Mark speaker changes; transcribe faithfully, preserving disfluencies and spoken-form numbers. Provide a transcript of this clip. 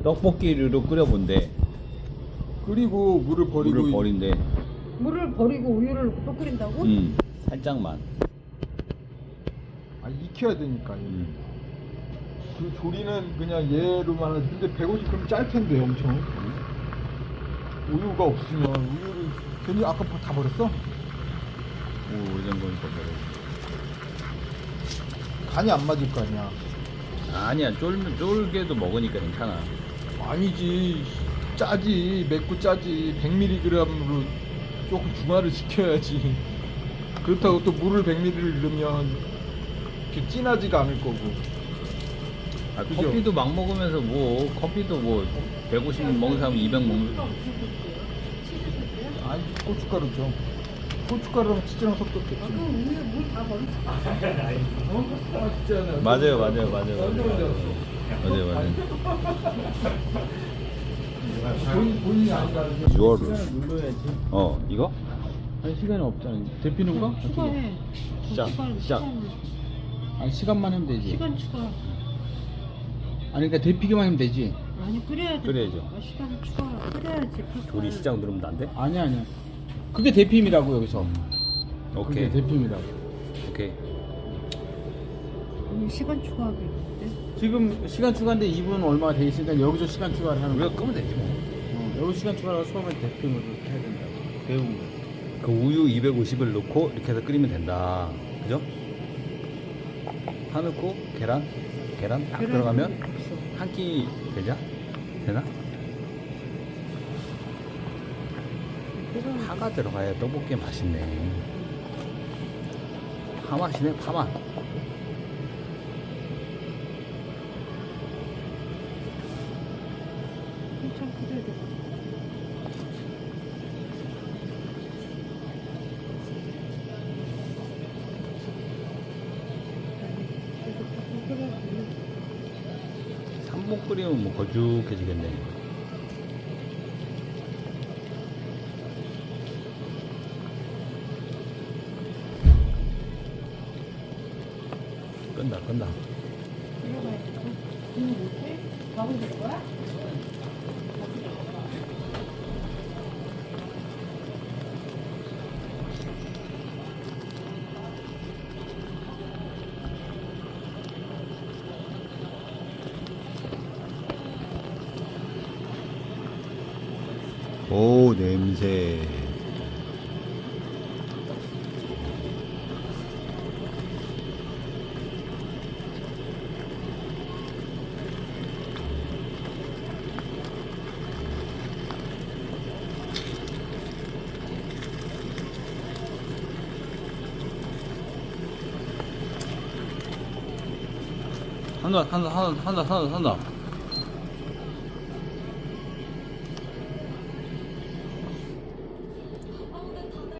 Speaker 1: 떡볶이류로 끓여본대.
Speaker 2: 끓이고 물을 버리고
Speaker 1: 물을 버린대.
Speaker 3: 물을 버리고 우유를 또 끓인다고?
Speaker 1: 음, 살짝만.
Speaker 2: 아 익혀야 되니까.
Speaker 1: 음.
Speaker 2: 그 조리는 그냥 얘로만 하지. 근데 백오십 그럼 짤 텐데 엄청. 우유가 없으면 우유를 괜히 아까 다 버렸어?
Speaker 1: 오, 오래된 거니까 그래.
Speaker 2: 간이 안 맞을 거 아니야.
Speaker 1: 아니야, 쫄, 쫄게도 먹으니까 괜찮아.
Speaker 2: 아니지, 짜지. 맵고 짜지. 백 밀리그램으로 조금 중화를 시켜야지. 그렇다고 또 물을 백 밀리그램을 넣으면 이렇게 진하지가 않을 거고.
Speaker 1: 아,
Speaker 2: 그죠?
Speaker 1: 커피도 막 먹으면서 뭐, 커피도 뭐, 백오십 먹는 사람 이백 먹는 사람.
Speaker 2: 아니 고춧가루죠. 고춧가루랑 치즈랑 섞었겠지.
Speaker 3: 그 우유 물 다 버렸어.
Speaker 2: 아 진짜.
Speaker 1: 맞아요, 맞아요, 맞아요, 맞아요. 맞아요, 맞아요.
Speaker 2: 본인 본인이 아니라.
Speaker 1: 유월을.
Speaker 4: 눌러야지.
Speaker 1: 어, 이거?
Speaker 4: 아니 시간이 없잖아. 데피는 거?
Speaker 3: 추가해.
Speaker 1: 시작,
Speaker 3: 시간,
Speaker 1: 시작.
Speaker 3: 시간,
Speaker 4: 아니 시간만 하면 되지.
Speaker 3: 시간 추가.
Speaker 4: 아니 그러니까 데피기만 하면 되지.
Speaker 3: 아니 끓여야지.
Speaker 1: 끓여야죠.
Speaker 3: 아, 시간 추가. 끓여야지.
Speaker 1: 조리 시작 누르면 안 돼?
Speaker 4: 아니야 아니야. 그게 데핌이라고 여기서.
Speaker 1: 오케이.
Speaker 4: 그게 데핌이라고.
Speaker 1: 오케이.
Speaker 3: 아니 시간 추가하게 있는데.
Speaker 4: 지금 시간 추가인데 이 분 얼마가 돼 있으니까 여기서 시간 추가를 하는
Speaker 1: 우리가
Speaker 4: 거야.
Speaker 1: 끄면 되지 뭐.
Speaker 4: 어, 여기 시간 추가를 하고 처음에 데핌으로 해야 된다고. 배운 거.
Speaker 1: 그 우유 이백오십을 넣고 이렇게 해서 끓이면 된다. 그죠? 파 넣고 계란, 계란 딱
Speaker 3: 계란이
Speaker 1: 들어가면
Speaker 3: 없어.
Speaker 1: 한 끼 되자? 되나?
Speaker 3: 계란.
Speaker 1: 파가 들어가야 떡볶이 맛있네. 파 맛이네, 파 맛.
Speaker 3: 한참 끓여야 돼.
Speaker 1: 삼 분 끓이면 뭐 걸쭉해지겠네. 끈다, 끈다.
Speaker 3: 들어가야 돼. 이거 못해? 밥을 줄 거야?
Speaker 1: 오, 냄새. 한다, 한다, 한다, 한다, 한다, 한다.